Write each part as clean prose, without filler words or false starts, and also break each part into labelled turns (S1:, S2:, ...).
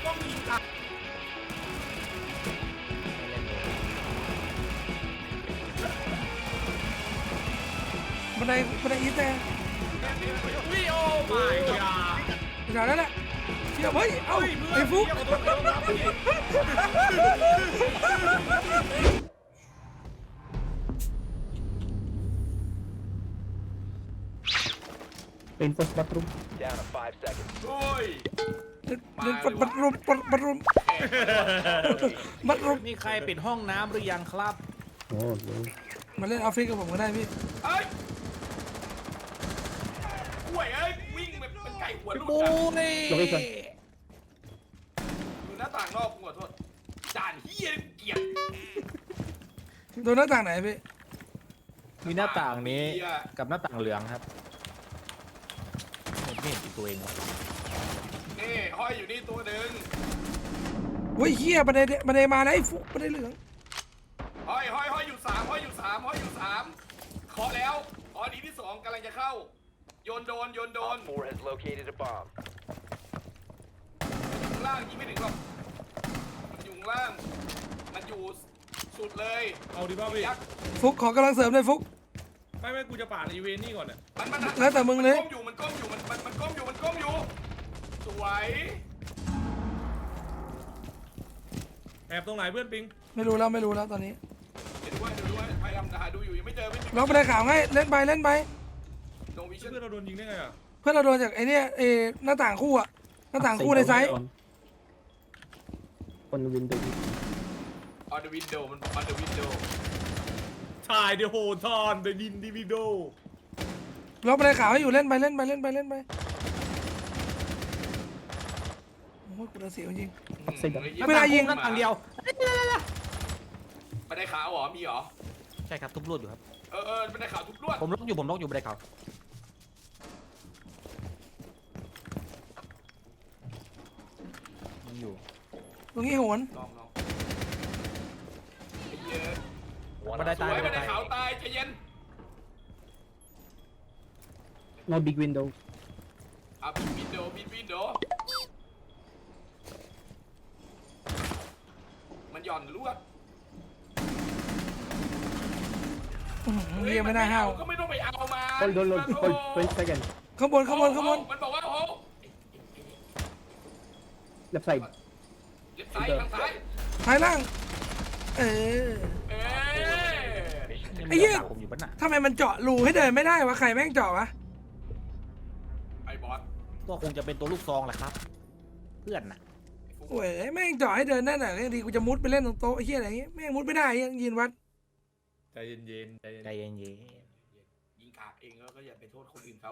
S1: กล้องยิงตัด
S2: บันไดอีสแต่
S1: วิโอไม่ยา
S2: แถวนั้นแหละเชี่ยเฮ้ยเอ้าไอ้ฟุก
S3: Reinforce bathroom.
S4: Down to 5 seconds.
S1: โอ้ย
S2: เล่นบัดรุม
S5: มีใครปิดห้องน้ำหรือยังครับ
S3: Oh no.
S2: มาเล่นออฟฟิศกับผมก็ได้พี่
S1: เอ้ยห่วยเอ้ยวิ่งแบบเป็นไก่หัวลูก
S5: ปู
S1: อะ
S5: นี่
S3: Location.
S1: ดูหน้าต่างนอกกูขอโทษจานเฮียเกลียด
S2: โดนหน้าต่างไหนพี่
S5: มีหน้าต่างนี้กับหน้าต่างเหลืองครับไม่เห็นตัวเองวะ
S1: นี่ห้อยอยู่นี่ตัวหนึ่ง
S2: เฮ้ยเฮียบันไดมาแล้วไอ้ฟุกบันไดเหลือง
S1: ห้อยอยู่สามเคาะแล้วอ๋อดีที่สองกำลังจะเข้าโยนโดน
S4: Op 4 has located a bomb.
S1: ข้างล่างยิงไม่ถึงหรอกมันอยู่ข้างล่างมันอยู่สุดเลย
S6: เอาดิบ้าพี่
S1: ยักษ์
S2: ฟุกขอกำลังเสริมเลยฟุก
S6: ไม่กูจะปาดอีเวนต์นี่ก่อนเนี่ย
S1: มัน
S2: แล้วแต่มึงเลย
S1: มันก้มอยู่มันก้มอยู่สวย
S6: แอบตรงไหนเพื่อนปิง
S2: ไม่รู้แล้วตอนนี้
S1: เดี๋ยวด้วยพยายามหาดูอยู่ยังไม่เจอ
S2: ล็อกบันไดขาวให้เล่นไป
S1: โนวิชั่น
S6: เพื่อนเราโดนยิงได้ไงอ่ะ
S2: เพื่อนเราโดนจากไอ้เนี่ยหน้าต่างคู่อะหน้าต่างคู่ในไซส์
S3: On the window.
S1: ออนเดอะวินโดว์มันออนเดอะวินโดว์
S6: ถ่ายเดี๋ยวโหทอนเดดินดิวิโด
S2: ล็อกบันไดขาวให้อยู่เล่นไปโอ้โหกูจะเสียวจริง
S3: Upside down.
S2: ไม่ได้ยิง
S5: หน้าต่างเดียว
S1: บันไดขาวเหรอมีเหรอ
S5: ใช่ครับทุบลวดอยู่ครับ
S1: บันไดขาวทุบลวด
S5: ผมล็อกอยู่บันไดเขายังอยู่
S2: ตรงนี้โหน
S1: ลองไอ้เหี้ย
S4: One
S5: บันได
S4: op
S5: ตาย
S1: บันไดขาวตายใจเย็น
S3: No big window.
S1: ปิดวินโดว์มันหย่อนลวด
S2: เรียไม่ได้ห้าว
S1: ก็ไม่ต้องไปเอามา
S3: Hold. 20 seconds.
S2: ข้างบน
S1: มันบอกว่าโอ้
S3: Left side.
S1: เล็บซ้ายทางซ้าย
S2: ท้ายล่างเออ
S1: เอ๊ะ
S5: ยัง
S2: ไอ้
S5: มี
S2: เหี้ย
S5: หน้าต่างผมอยู่ปะน่ะ
S2: ทำไมมันเจาะรูให้เดินไม่ได้วะใครแม่งเจาะวะ
S1: ไอ้บอส
S5: ก็คงจะเป็นตัวลูกซองแหละครับ เพื่อนน่ะ
S2: โอ้ยแม่งเจาะให้เดินได้หน่อยยังดีกูจะมุดไปเล่นตรงโต๊ะไอ้เหี้ยอะไรเงี้ยแม่งมุดไม่ได้ยังยืนวัด
S6: ใจเย็นๆใจเย็น
S5: ใจเย็น
S1: ยิงกากเองแล้วก็อย่าไปโทษคนอื่นเขา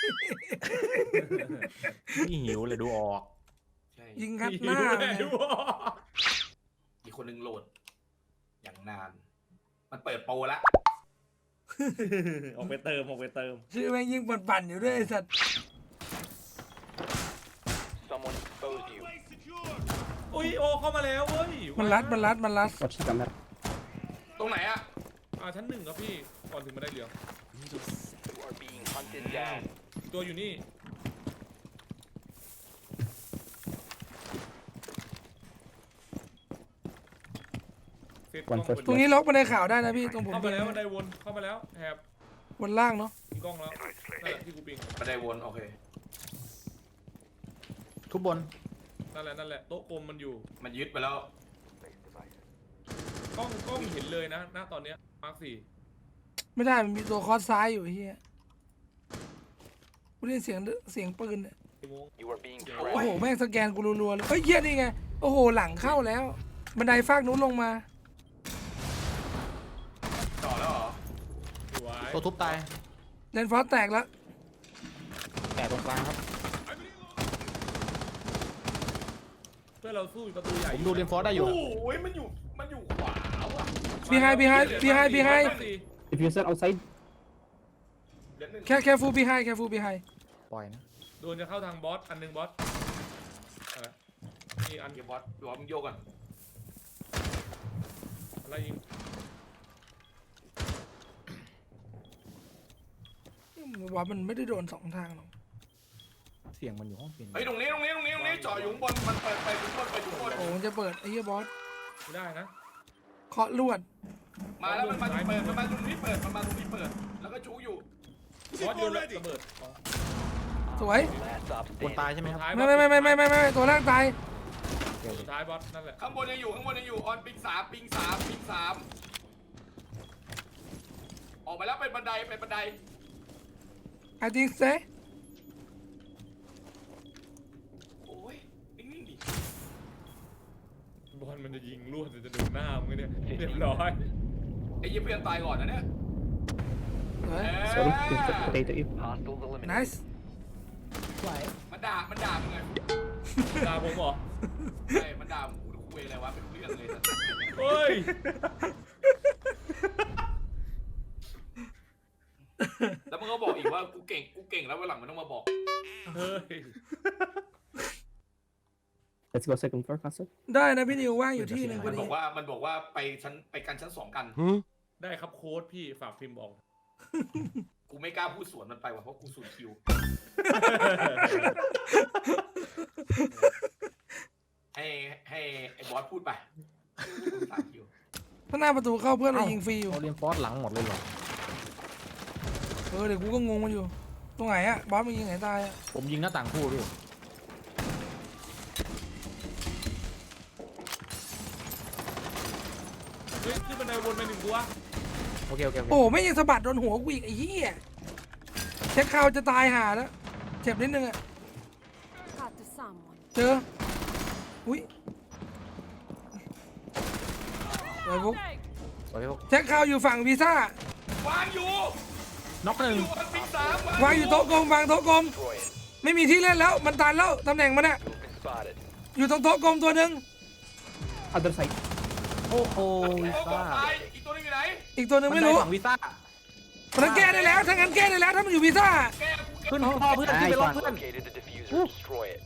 S5: ๆนี่หิวเลยดูออก
S1: ใช่
S2: ยิงคัดหน้าเลย
S6: ดูออก
S1: อีกคนหนึ่งโหลด อย่างนาน มันเปิดโปรละ
S6: ออกไปเติม
S2: ชื่อแม่งยิงปั่นๆอยู่ด้วยไอ้สัตว์
S4: Someone exposed you.
S6: อุ้ยโอเข้ามาแล้วเว้ย
S2: มันรัด
S3: Watch the camera.
S1: ตรงไหนอะ
S6: ชั้น 1ครับพี่ก่อนถึงบันไดเหลือง
S4: You are being hunted down.
S6: ตัวอยู่นี่เซตกล้อง
S3: One first
S2: ตรงนี้ล็อกบันไดขาวได้นะพี่ตรงผม
S6: เข้ามาแล้วบันไดวนเข้ามาแล้วแถบบ
S2: นล่างเนาะ
S6: มีกล้องแล้วนั่นแหละที่กูปิง
S1: บันไดวนโอเค
S5: ทุบบน
S6: นั่นแหละโต๊ะกลมมันอยู่
S1: มันยึดไปแล้ว
S6: กล้องเห็นเลยนะณตอนเนี้ยมาร์ค
S2: ไม่ได้มันมีตัวคอร์สซ้ายอยู่ไอ้เหี้ยกูได้ยินเสียงปืนเนี่ย
S6: 4 โมง
S4: You are being
S2: โอ้โห
S4: tracked.
S2: แม่งสแกนกูรัวๆเลยเฮ้ยเหี้ยนี่ไงโอ้โหหลังเข้าแล้ว บันไดฟากนู้นลงมา
S1: ต่อแล้วเหรอ
S6: สวย
S5: ตัวทุบตาย
S2: เลนฟอสแตกแล้ว
S5: แตกตรงกลางครับ
S6: เพื่อเราสู้อยู่ประตูใหญ่
S5: ผมดูเรนฟอร์ได้อยู่
S1: โอ้ยมันอยู่ขวาว่ะ
S2: บีไฮ
S3: If you stand outside,
S1: เดี๋ยวหนึ่ง
S2: แค่ฟูบีไฮ
S5: ปล่อยนะ
S6: โดนจะเข้าทางบอสอันหนึงบอสนี่อัน
S1: เดี๋ยวบอสมึงโยกก่อน
S6: อะไรยิง
S2: ว่ามันไม่ได้โดนสองทางหรอก
S5: C สียงมันอยู่ห้องเปลี่ยน
S1: เฮ้ยตรงนี้เจาะอยู่ข้างบนมันเปิดไปข้างบนไปข้างบน
S2: โอ้มันจะเปิดไอ้เหี้ยบอส
S6: ไม่ได้นะ
S2: เคาะลวด
S1: มาแล้วมันมาตรงเปิดมันมาตรงนี้เปิดมันมาตรงนี้เปิดแล้วก็จูอยู่
S6: บอสโยนระเบิด
S2: สวย
S4: Last stop
S5: คน
S4: standing.
S5: ตายใช่ไหมครับ
S2: ไม่ตัวแรกตาย
S6: สุดท้ายบอสนั่นแหละ
S1: ข้างบนยังอยู่ออนปิงสามออกไปแล้วเป็นบันได
S2: I think so
S1: โอ้ยนิ่งๆดิ
S6: บอลมันจะยิงลวดจะโดนหน้ามึงเนี่ยเรียบร้อย
S1: ไอ้เหี้ยเพื่อนตายก่อนนะเนี่ย
S2: สวย
S3: Sorry, potato you.
S4: Hostiles eliminated.
S2: nice
S1: มันด่ามึงไง
S6: ตาผมเหรอ
S1: ใช่มันด่ามึงกูคุยอะไรวะเป็นเรื่องเลย
S6: เฮ้ย
S1: แล้วมันก็บอกอีกว่ากูเก่งแล้ววันหลังมันต้องมาบอก
S6: เฮ้ย
S3: Let's go second floor, Castle.
S2: ได้นะพี่นิวว่างอยู่ที่หนึ่งพ
S1: มั
S2: อน
S1: บ
S2: ดี
S1: อกว่าไปกันชั้น 2กัน
S6: ได้ครับโค้ดพี่ฝากพิมพ์บอก
S1: กูไม่กล้าพูดสวนมันไปว่ะเพราะกูสูญคิวให้ไอ้บอสพูดไปกูสามคิว
S2: ถ้าหน้าประตูเข้าเพื่อนเรายิงฟรีอยู่
S5: เขาเรียนฟอสหลังหมดเลยเหรอ
S2: เดี๋ยวกูก็งงมันอยู่ ตรงไหนอะบอสมันยิงไหนตายอะ
S5: ผมยิงหน้าต่างคู่พี่
S6: เฮ้ยขึ้นบันไดวนไปหนึ่งตัว
S5: โอเค
S2: โอ้ไม่ยังสะบัดโดนหัวกูอีกไอ้เหี้ยเช็คข่าวจะตายห่าแล้วเจ็บนิดนึงอะ
S7: Got to someone.
S2: เจออุ้ยไอ้บุ๊ก
S5: โอเคพวก
S2: เช็คข่าวอยู่ฝั่งวีซ่าว
S1: างอยู่
S5: น็อกหนึ่ง
S1: อยู่อันปิงสาม
S2: วางอยู่โต๊ะกลมวางโต๊ะกลม
S4: Destroy it.
S2: ไม่มีที่เล่นแล้วมันตันแล้วตำแหน่งมันอะ
S4: You've been spotted.
S2: อยู่ตรงโต๊ะกลมตัวหนึ่ง
S3: Other side.
S5: โอ้โห
S1: โอ้
S5: วี
S1: โห
S5: ซ่า
S1: ตายอีกตัวนึงอยู่ไหน
S2: อีกตัวหนึ่งไม่รู้
S5: ฝั่งวีซ่า
S2: มันแก้ได้แล้วถ้างั้นแก้ได้แล้วถ้ามันอยู่วีซ่า
S1: แก
S5: ขึ้นห้องพ่อเพื่อนขึ้นไปรถเพื่อน
S4: Located the diffuser. Destroy it.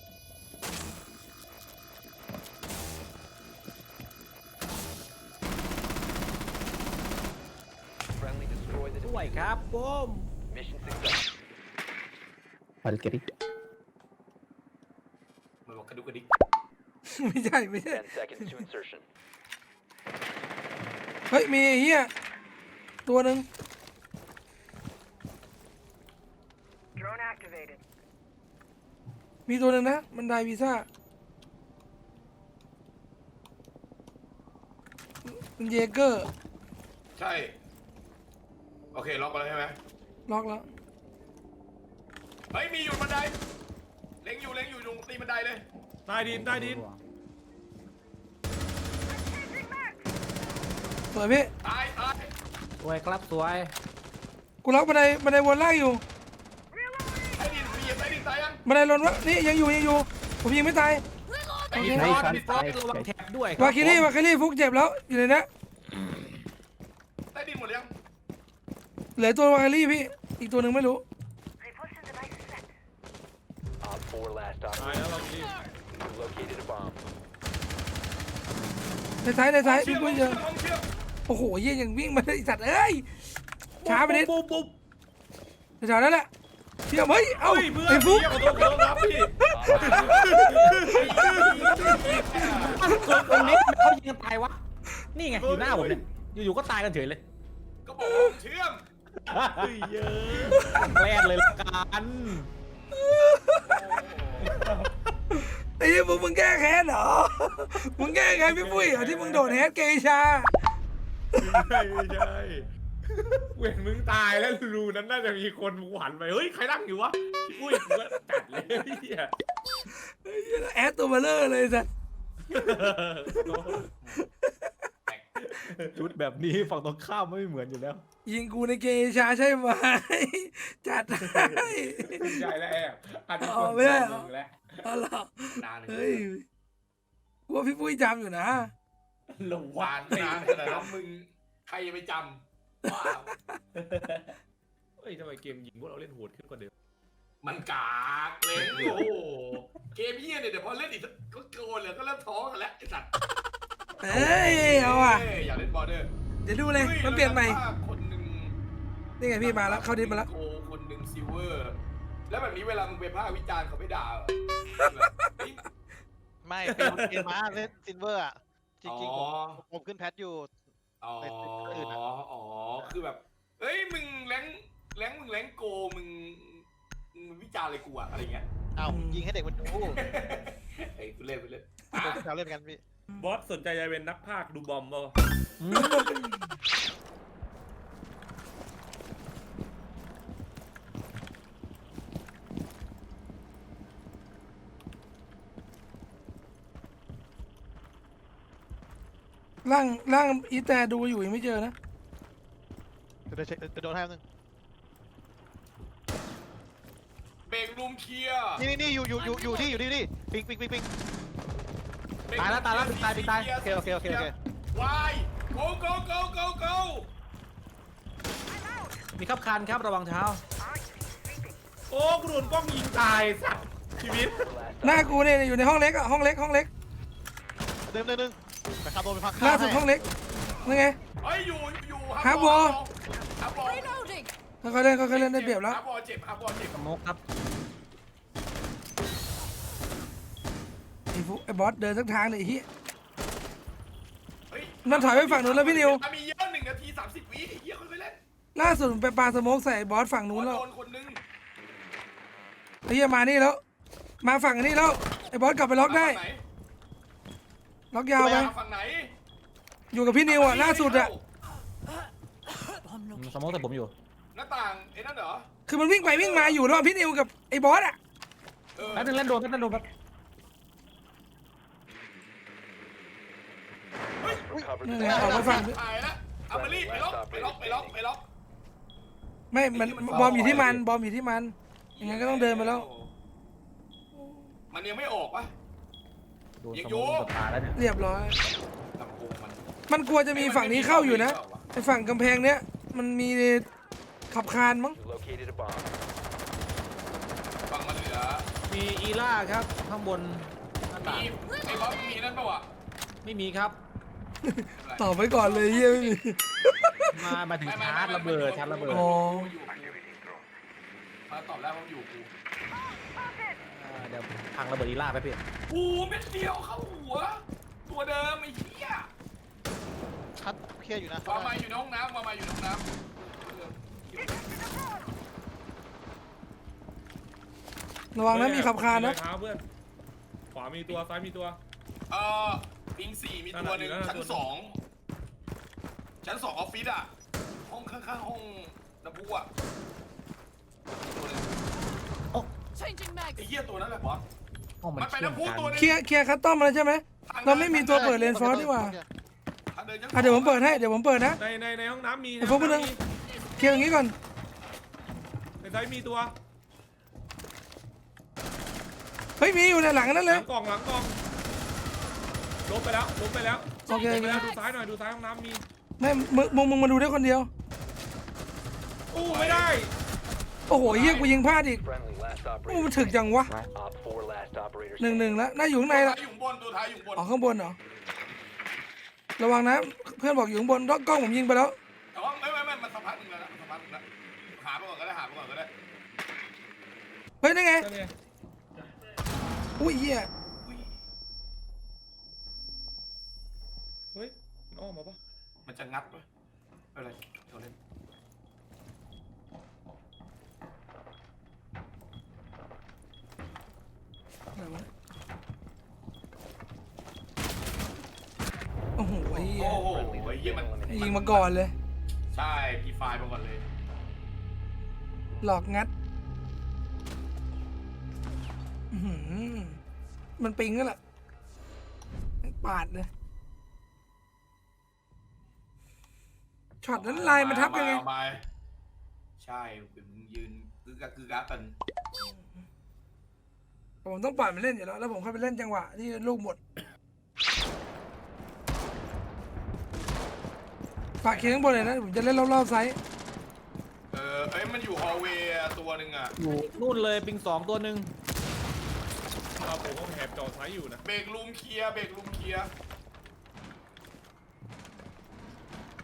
S4: Friendly destroy the
S5: ด้วย
S4: diffuser.
S5: ครับผม
S4: Mission success.
S3: I'll carry.
S1: มันบอกกระดุกกระดิก
S2: ไม่ใช่
S4: 10 seconds to insertion.
S2: เฮ้ยมีไอ้เหี้ยตัวหนึ่ง
S7: Drone activated.
S2: มีตัวหนึ่งนะมันได้วีซ่ามันเยเกอร์
S1: ใช่โอเคล็อกไปแล้วใช่ไหม
S2: ล็อกแล้ว
S1: เฮ้ยมีอยู่บันไดเล็งอยู่ตรงตีบันไดเลย
S6: ใต้ดิน
S2: สวยพี่
S1: ตาย
S5: สวยครับสวย กู
S2: ล็อกบันไดวนล่างอยู่
S1: ใต้ดินตายยัง
S2: บันไดลนวะนี่ยังอยู่ผมยิงไม่ตาย
S1: ไอ้
S5: มี
S1: นี่
S5: ฟอส
S3: Nice,
S5: มีฟอส
S3: nice,
S5: ระวัง
S3: nice.
S5: แท็บด้วย
S2: วาคิรี่ฟุกเจ็บแล้วอยู่ในนี้
S1: ใต้ดินหมดยัง
S2: เหลือตัววาคิรี่พี่อีกตัวหนึ่งไม่รู้
S7: Repulsion device set.
S4: Op 4 last
S6: ตาย
S4: operator.
S6: แล้วเรารีบ
S4: You located a bomb.
S2: ในซ้ายพี่
S1: เชื่อม
S2: กุ้ยเจอ
S1: เชื่อม
S2: โอ้โหเยี่ยยังวิ่งมาได้สัตว์เอ้ยช้าไปนิด
S6: ปุ๊บ
S2: แถวนั้นแหละเชื่อมเฮ้ยเอ้า
S6: เฮ้ยเพื่อน
S2: ไอ้ฟุก
S6: ขอโทษครับพี่
S5: ตรงนี้เขายิงกันตายวะ นี่ไงอยู่หน้าผมเนี่ย อยู่ๆก็ตายกันเฉยเลย
S1: ก็บอกว่าเชื่อม
S6: เฮ้ยเยอะ
S5: แกล้งเลยละกัน
S2: ไอ้เหี้ยมึงแก้แค้นเหรอมึงแก้แค้นพี่ปุ้ยเหรอที่มึงโดดแฮกเกชา
S6: ไม่ใช่เว้นมึงตายแล้วรูนั้นน่าจะมีคนหวานไปเฮ้ยใครนั่งอยู่วะอุ้ยกูก็จัดเลยเฮีย
S2: แอดตัวเบลเลอร์เลยสัตว์
S5: ชุดแบบนี้ฝั่งตรงข้ามไม่เหมือนอยู่แล้ว
S2: ยิงกูในเกชาใช่ไหมจัดให้
S6: ใหญ่แล้วแอบอาจจะคน
S2: ไม่ได้เหรอ
S6: มึงแล้ว
S2: เอาล่ะ
S1: นานเลย
S2: เฮ้ยกูว่าพี่ปุ้ยจำอยู่นะ
S6: หลง
S1: หวานนานขนาดนั้นมึงใครจะไปจำว้าว
S6: เฮ้ยทำไมเกมยิงพวกเราเล่นโหดขึ้นกว่าเดิม
S1: มันกากเลยโอ้โหเกมเฮียเนี่ยเดี๋ยวพอเล่นอีกก็โกนเลยก็เริ่มท้อกันแล้วไอ้สัตว์
S2: เอ้ยเอาอ่ะ
S1: อยากเล่นบอลเดอร์
S2: เดี๋ยวดูเลยมันเปลี่ยนใหม่
S1: คนหนึ่ง
S2: นี่ไงพี่มาแล้วเข้าดิสมาแล้ว
S1: โกคนหนึ่งซิลเวอร์แล้วแบบนี้เวลามึงไปภาควิจารณ์เขาไม่ด่าเหรอเฮ้ย
S8: ไม่เป็นเกมมาเล่นซินเวอร์อ่ะ จริงๆ
S1: อ๋อ
S8: ผมขึ้นแพทอยู่
S1: อ๋อ
S8: ในอื่นอะ
S1: อ๋อ คือแบบ เอ้ย มึงแรงมึงแรงโก มึงวิจารณ์อะไรกูอะอะไรเงี้ย
S8: อ้าวยิงให้เด็กมันดู
S1: ไอ้กูเล่นไปเล่น
S8: เราเล่นกันพี่
S6: บอสสนใจจะเป็นนักพากย์ดูบอมเปล่า
S2: ร่างอีแต่ดูอยู่ยังไม่เจอนะ
S8: เดี๋ยวเช็คจะโดนให้นึง
S1: เบรกรูมเคลียร์
S8: นี่อยู่ที่ปิง
S1: เบรก
S5: ตายแล้วตายแล้วปิงตายปิงตาย
S8: โอเค
S1: วาย go
S5: มีขับคันครับระวังเท้า
S6: โอ้กูโดนกล้องยิงตายสัตว์ชีวิต
S2: หน้ากูเนี่ยอยู่ในห้องเล็กอะห้องเล็ก
S8: เดิมไปขับโดนไปพัก
S2: ล่าสุดห้องเล็กนี่ไง
S1: เฮ้ย อยู่
S2: ฮาร์บอล
S1: ฮาร์บอล
S7: Reloading.
S2: เขาเล่นได้เปรียบแล้ว
S1: ฮาร์บอลเจ็บ
S5: สโมกครับ
S2: ไอ้บอสเดินสักทางเลยไอ้เฮีย
S1: เฮ้ย
S2: มันถอยไปฝั่งนู้นแล้วพี่นิว
S1: มีเยอะ1 นาที 30 วิเฮียค่อยๆเล่น
S2: ล่าสุดมันไปปาสโมกใส่บอสฝั่งนู้นแล้ว
S1: โดนคนนึง
S2: ไอ้เฮียมานี่แล้ว มาฝั่งนี้แล้วไอ้บอสกลับไปล็อกได้
S1: ฝั่งหน
S2: ล็อกยาวไป
S1: ฝั่งไหน
S2: อยู่กับพี่นิวอะล่าสุดอะ
S5: สโมกแต่ผมอยู่
S1: หน้าต่างไอ้นั่นเหรอ
S2: คือมันวิ่งไปวิ่งมาอยู่ระหว่างพี่นิวกับไอ้บอสอะ
S1: เออ
S5: แป๊บนึงเล่นโดนแป๊บแบบ
S2: นี่ไงออกมาฝั่ง
S1: ถ่ายแล้วเอามารีบไปล็อก
S2: ไม่มันบอมอยู่ที่มันยังไงก็ต้องเดินไปแล้ว
S1: มันยังไม่ออกปะ
S5: โดนสโมกกับตายแล้วเนี่ย
S2: เรียบร้อย
S1: ลำโพงมัน
S2: มันกลัวจะมีฝั่งนี้เข้าอยู่นะไอ้ฝั่งกำแพงเนี้ยมันมีขับคานมั้ง
S4: You located a bomb.
S1: ฝั่งมันเหลือ
S5: มีอีล่าครับข้างบนหน้าต่าง
S1: มีไอ้บอสมีนั่นปะวะ
S5: ไม่มีครับ
S2: ตอบไว้ก่อนเลยเฮียไม่มี
S5: มาถึงชาร์จระเบิด
S2: อ๋อ
S1: มาตอบแล้วว่าอยู่กู
S5: เดี๋ยวพังระเบิดอีล่าไปพี่
S1: กูเม็ดเดียวเข้าหัว ตัวเดิมไอ้เหี้ย
S8: คัดเคลียร์อยู่นะ
S1: มาอยู่ในห้องน้ำมาอยู่ในห้องน้ำ
S2: ระวังนะมีขับคานนะ
S6: เท้าเพื่อนขวามีตัวซ้ายมีตัว
S1: ปิง4มีตัวหนึ่ง
S6: นั่นน่ะ
S1: ชั้น 2 ออฟฟิศอ่ะ ห้องข้างๆห้องน้ำพุอ่ะมีตัวหนึ่ง
S7: Changing mags.
S1: ไอ้เหี้ยตัวนั้นแหละบอส
S5: ห้องมัน
S1: มันไป
S5: เชื่อม
S1: น้ำพุ
S5: กัน
S1: ตัวนึง
S2: เคลียร์คัสตอมมาแล้วใช่ไหมเราไม่มีตัวเปิดเลนฟอร์สดีกว่า
S1: ทางเดินชั้น
S2: อ่ะเดี๋ยวผมเปิดให้เดี๋ยวผมเปิดนะ
S6: ในห้องน้ำมี
S2: ไอ้พวกมันนึง เคลียร์อย่างนี้ก่อน
S6: ในซ้ายมีตัว
S2: เฮ้ยมีอยู่ในหลังนั่น
S6: ห
S2: เล
S6: ลั
S2: ย
S6: งกล่องลบไปแล้ว
S2: โอเค
S6: ดูซ้ายหน่อยดูซ้ายห้องน้ำมี
S2: ไม่มึงมาดูได้คนเดียว
S6: อู้ไม่ได้
S2: โอ้โหเฮียกูยิงพลาดอีก
S4: Friendly last
S2: โอ้มัน
S4: operator.
S2: ถึกจังวะ
S4: Op 4 last operator.
S2: 1-1แล้วน่าอยู่ข้างใน
S1: ตัว
S2: ละ
S1: ท้ายอยู่บนตัวท้ายอยู่บน
S2: อ๋อข้างบนเหรอระวังนะเพื่อนบอกอยู่ข้างบนกล้องผมยิงไปแล้ว
S1: แต่ว่าไม่มันสัมผัสหนึ่งแล้วนะสัมผัสหนึ่งแล้วหาไปก่อนก็ได้
S2: เฮ้ยนั่นไง
S6: นั่นไง
S2: อุ้ยเฮีย
S1: อุ้ย
S6: เฮ้ยมันอ้อมมาปะ
S1: มันจะงัดปะอะไรเราเล่น
S2: อะไรวะโอ้โหเฮีย
S1: โอ้โหไอ้เหี้ยมัน
S2: ยิงมาก่อนเลย
S1: ใช่พีไฟล์มาก่อนเลย
S2: หลอกงัดอื้อหือมันปิงก็แหละปาดเลยช็อตนั้นลายมันทับยังไง
S1: เอามาใช่เป็นมึงยืนกึกกักกัน
S2: ผมต้องปล่อยมันเล่นอยู่แล้วแล้วผมเข้าไปเล่นจังหวะที่ลูกหมดฝากเคียงข้างบนเลยนะผมจะเล่นรอบๆไซส์
S1: เอ้ยมันอยู่ฮอลเวย์ตัวหนึ่งอ่ะ
S5: อยู่นู่นเลยปิง2ตัวหนึ่ง
S6: เราผมก็แหบจอซ้ายอยู่นะ
S1: เบรกรูมเคลี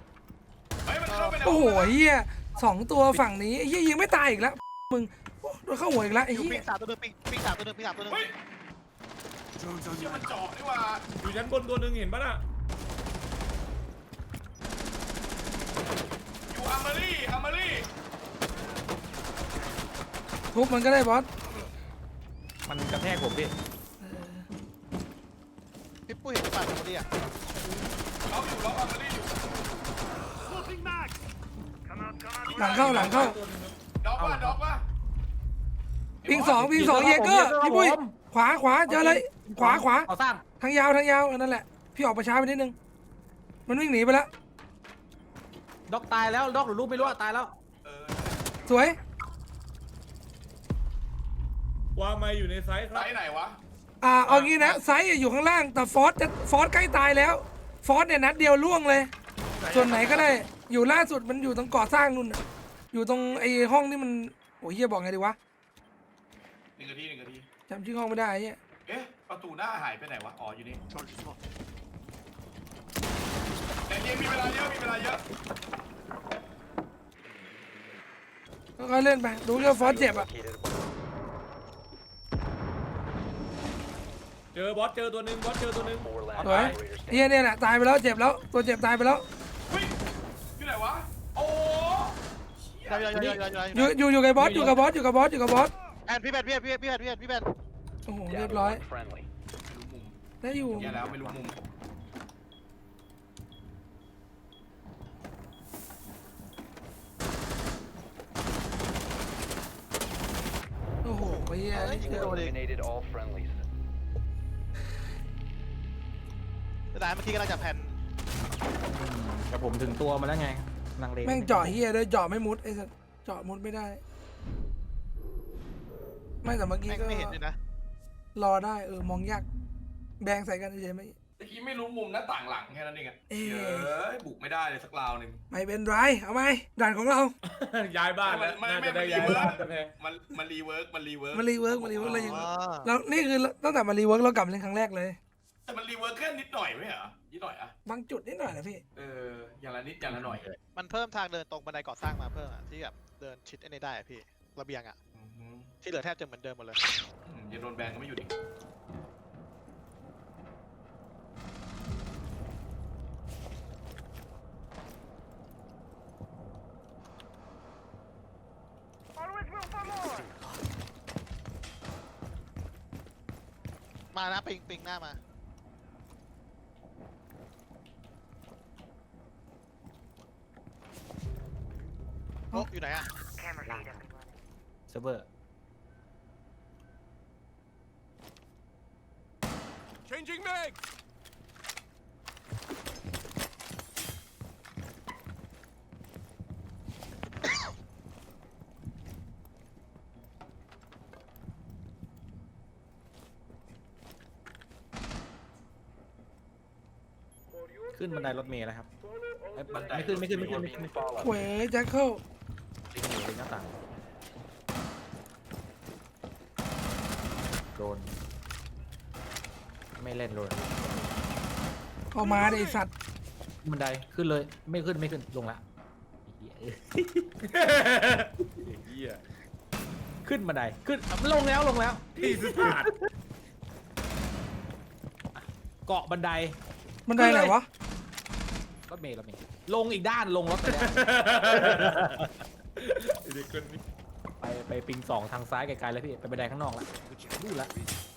S1: ยร์เฮ้ยมันเข้าไปใน
S2: โอ้โห
S1: ห้งน้ำ
S2: เฮีย2 ตัวฝั่งนี้เฮียยิงไม่ตายอีกแล้วมึงโอ้โดนแล้วเข้าหัวอีกแล้วไอ้
S8: อยู่
S2: เหี้
S8: ปิ
S2: ย
S8: งสามตัวหนึงปิงสามตัวหนึงปิงสามตัวหนึง
S1: เฮ้ยชื่อมันเจาะนี่หว่า
S6: อยู่ชั้นบนตัวหนึ่งเห็นปะน่ะ
S1: อยู่อาร์มารี่
S2: ทุบมันก็ได้บอส
S5: มันกระแทกผมพี่
S8: พี่ปุ้ยเห็นป่ะตรงนี้อ่ะ
S1: ล็อกอาร์มารี่อยู่
S2: หลังเข้า
S1: ด็อกว่ะ
S2: ปิงสองเยเกอร์พี่ปุ้ยขวาเจอเลยขวา
S5: ก่อสร้าง
S2: ทางยาวนั่นแหละพี่ออกไปช้าไปนิดนึงมันวิ่งหนีไปแล้ว
S5: ด็อกตายแล้วด็อกหรือลูกไม่รู้อะตายแล้ว
S2: สวย
S6: วางไม้อยู่ในไซส์ค
S1: ไหน
S6: รับ
S1: ไหนวะ
S2: เอางี้นะไซส์อยู่ข้างล่างแต่ฟอสใกล้ตายแล้วฟอสเนี่ยนัดเดียวล่วงเลย ส่วนไหนก็ได้อยู่ล่าสุดมันอยู่ตรงก่อสร้างนู่นน่ะอยู่ตรงไอ้ห้องที่มันโอ้ยเฮียบอกไงดีวะ
S1: 1 นาที
S2: จำชื่อห้องไม่ได้ไอ้เฮีย
S1: เอ๊ะประตูหน้าหายไปไหนวะอ๋ออยู่นี่แต่ยังมีเวลาเยอะ
S2: ก็เล่นไปดูเรื่องฟอสเจ็บอ่ะ
S4: Located a bomb.
S6: เจอบอสเจอตัวหนึ่งบอสเจอตัวหนึ่ง
S4: 4 last
S2: สวย
S4: operators
S2: เฮียเนี่ยแหละตายไปแล้วเจ็บแล้วตัวเจ็บตายไปแล้ว
S1: เฮ้ยอยู่ไหนวะโอ้
S8: อยู่กับบอส
S2: อยู่กับบอส
S8: แอนพี่แบนพี่แบน
S2: โอ้โห
S4: down
S2: เรียบ
S4: to
S2: ร้อย
S4: one friendly.
S2: ได้อยู่
S1: แย่แล้วไม่รู้มุม
S2: โอ้โหเฮียนี่เจอ
S4: Eliminated all friendlies.
S8: แต่เมื่อกี้กำลังจะแผ่น
S5: แต่ผมถึงตัวมาแล้วไงลังเล
S2: แม่งเจาะเฮียด้วยเจาะไม่มุดไอ้สัสเจาะมุดไม่ได้ ไม่แต่เมื่อกี้
S8: แม่ง
S2: ก็
S8: ไม่เห็นเลยนะ
S2: รอได้มองยากแบงใส่กันเฉยๆไม่
S1: เมื่อกี้ไม่รู้มุมหน้าต่างหลังแค่นั้นเองอะ
S2: เอ๊ะ
S1: เฮ้ยบุกไม่ได้เลยสักราวหนึ่ง
S2: ไม่เป็นไรเอาไหมด่านของเรา
S6: ย้ายบ้านแล้วน่าจะได้ย้ายบ้านกันแน่
S1: มันรีเวิร์ก
S2: มันรีเวิร์กอะไรอย่าง
S8: อ๋
S2: เงี้ย
S8: อ
S2: แล้วนี่คือตั้งแต่มารีเวิร์กเรากลับเล่นครั้งแรกเลย
S1: แต่มันรีเวิร์กแค่นิดหน่อยไม่เหรอนิดหน่อยอะ
S2: บางจุดนิดหน่อยนะพี่
S1: อย่างละนิดอย่างละหน่อย
S8: มันเพิ่มทางเดินตรงบันไดก่อสร้างมาเพิ่มอ่ะที่แบบเดินชิดไอ้นี่ได้อะพี่ระเบียงอ่ะที่เหลือแทบจะเหมือนเดิมหมดเลย
S1: อย่าโดนแบนก็ไม่หยุดอีก
S8: มานะปิงหน้ามาโอ้อยู่ไหนอ่ะ
S5: เซิร์ฟเวอร์ ขึ้นบันไดรถเมล์แล้วครับเอ้ยไม่ขึ้น
S4: Follow.
S2: เว้ยแจ็คเคิล
S5: ลิงหนีลิงหน้าต่างโดนไม่เล่นเลย
S2: เอามาดิไอ้สัตว์
S5: บันไดขึ้นเลยไม่ขึ้นลงละเหี้ยขึ้นบันไดขึ้นลงแล้ว
S6: ที่สุดาด
S5: เกาะบันได
S2: มันได้ไหนวะ
S5: รถเมล์ลงอีกด้านลงรถไปแล้ว
S6: เด็กคนนี้
S5: ไปปิงสองทางซ้ายไกลๆแล้วพี่ไปบันไดข้างนอกละดูละ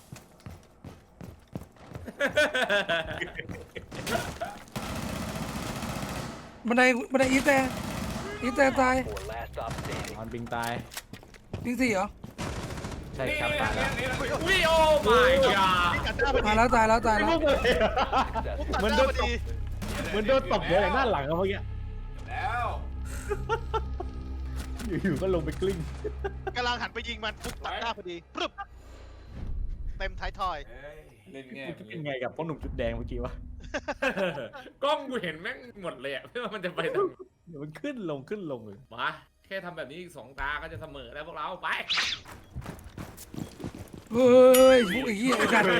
S2: บันไดอีแต่ตาย
S4: 4 last stop standing.
S5: นอนปิงตาย
S2: ปิงสี่เหรอ
S5: ใช่ครับ
S1: นี่
S5: ตายแล้ว
S6: อุ้ยโอ้ my god
S8: กัดหน้าพอดี
S2: ตายแล้ว
S4: Successful.
S8: มันโดนตบ
S5: เหมือนโดนตบเลยหน้าหลังเขาเมื่อกี้
S1: แล้ว
S5: อยู่ๆก็ลงไปกลิ้ง
S8: กำลังหันไปยิงมันปุ๊บตัดหน้าพอดีปรึบเต็มท้ายทอย
S6: เล่นแง่
S5: กูเป็นไงกับพ่อหนุ่มจุดแดงเมื่อกี้วะ
S6: กล้องกูเห็นแม่งหมดเลยอะไม่ว่ามันจะไปทาง
S5: เดี๋ยวมันขึ้นลงเลย
S6: มาแค่ทำแบบนี้อีก2 ตาก็จะเสมอแล้วพวกเราไป
S2: เฮ้ยพวกไอ้เหี้ยไอ้กัน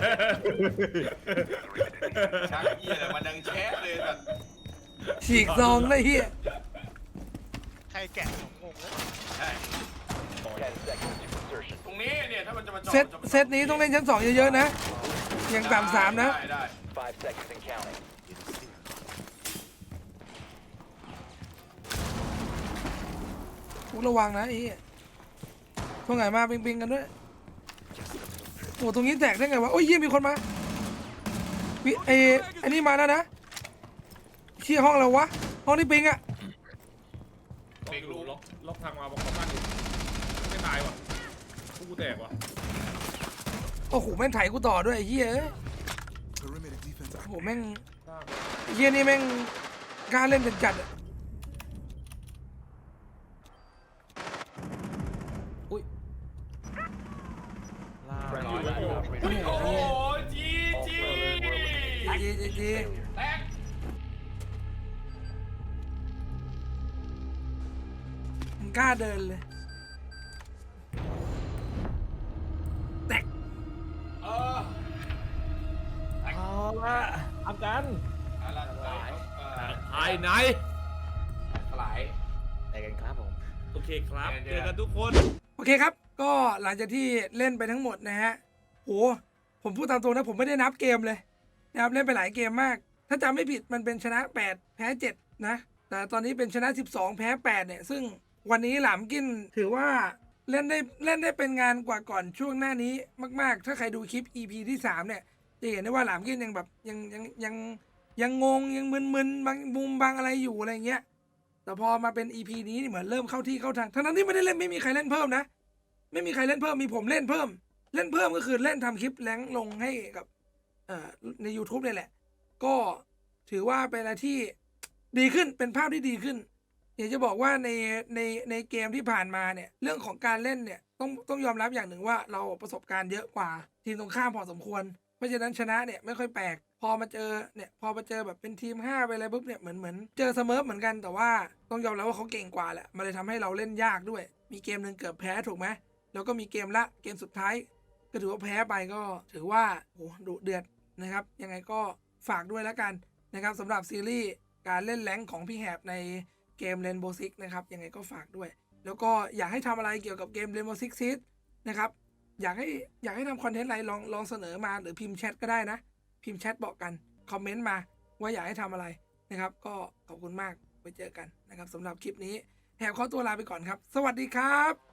S1: ชักเหี้ยอะไรมันดังแชะเลยแต่
S2: ฉีกซองเลยเหี้ย
S8: ใครแกะผมงงเลย
S1: ใช่
S6: ขอ
S4: 10 seconds to insertion.
S1: ตรงนี้เนี่ยถ้ามันจะมาจอด
S2: เซตนี้ต้องเล่นชั้น 2 เยอะๆนะอย่างต่ำ3นะ
S1: ได้
S4: 5 seconds and counting.
S2: กูระวังนะไอ้เหี้ยตรงไหนมาปิงๆกันด้วยโอ้ตรงนี้แตกได้ไงวะโอ้ยเหี้ยมีคนมาอันนี้มาแล้วนะเชี่ยห้องเราวะห้องนี้ปิงอะ
S6: ล็อกทางมาบอกเขาบ้านอยู่ไม่ตายว่ะกูแตกว่ะ
S2: โอ้โหแม่งไถกูต่อด้วยไอ้เหี้ยเอ้ย
S9: Perimeter defense
S2: โอ้โหแม่งไอ้เหี้ยนี่แม่งกล้าเล่นจัดๆอะ
S4: Friendly last operator
S1: โอ้โห
S4: standing.
S1: จีจี
S2: จี
S1: แตก
S2: มึงกล้าเดินเลยแตก
S1: เออ
S5: เอาละทำกัน
S1: อะไรหลาย
S6: ภายใน
S1: หลาย
S5: ไปกันครับผม
S6: โอเคครับเจอกันทุกคน
S2: โอเคครับก็หลังจากที่เล่นไปทั้งหมดนะฮะโหผมพูดตามตรงนะผมไม่ได้นับเกมเลยนะครับเล่นไปหลายเกมมาก ถ้าจำไม่ผิดมันเป็นชนะ8แพ้7นะแต่ตอนนี้เป็นชนะ12แพ้8เนี่ยซึ่งวันนี้หลามกินถือว่าเล่นได้เป็นงานกว่าก่อนช่วงหน้านี้มากๆ ถ้าใครดูคลิป EP ที่3เนี่ยจะเห็นได้ว่าหลามกินยังแบบยังงงยังมึนๆบางมุมบางอะไรอยู่อะไรเงี้ยแต่พอมาเป็น EP นี้นี่เหมือนเริ่มเข้าที่เข้าทางทั้งนั้นที่ไม่ได้เล่นไม่มีใครเล่นเพิ่มนะไม่มีใครเล่นเพิ่มมีผมเล่นเพิ่มก็คือเล่นทำคลิปแรงลงให้กับใน YouTube เนี่ยแหละก็ถือว่าเป็นอะไรที่ดีขึ้นเป็นภาพที่ดีขึ้นอยากจะบอกว่าในเกมที่ผ่านมาเนี่ยเรื่องของการเล่นเนี่ยต้องยอมรับอย่างหนึ่งว่าเราประสบการณ์เยอะกว่าทีมตรงข้ามพอสมควรเพราะฉะนั้นชนะเนี่ยไม่ค่อยแปลกพอมาเจอแบบเป็นทีม5ไปอะไรปุ๊บเนี่ยเหมือนเจอเสมอเหมือนกันแต่ว่าต้องยอมรับว่าเขาเก่งกว่าแหละมันเลยทำให้เราเล่นยากด้วยมีเกมหนึ่งเกือบแพ้ถูกไหมแล้วก็มีเกมสุดท้ายก็ถือว่าแพ้ไปก็ถือว่าโหดุเดือดนะครับยังไงก็ฝากด้วยแล้วกันนะครับสำหรับซีรีส์การเล่นแรงค์ของพี่แหบในเกม Rainbow Six นะครับยังไงก็ฝากด้วยแล้วก็อยากให้ทำอะไรเกี่ยวกับเกม Rainbow Six Siege นะครับอยากให้ทำคอนเทนต์อะไรลองเสนอมาหรือพิมพ์แชทก็ได้นะพิมพ์แชทบอกกันคอมเมนต์มาว่าอยากให้ทำอะไรนะครับก็ขอบคุณมากไปเจอกันนะครับสำหรับคลิปนี้แหบขอตัวลาไปก่อนครับสวัสดีครับ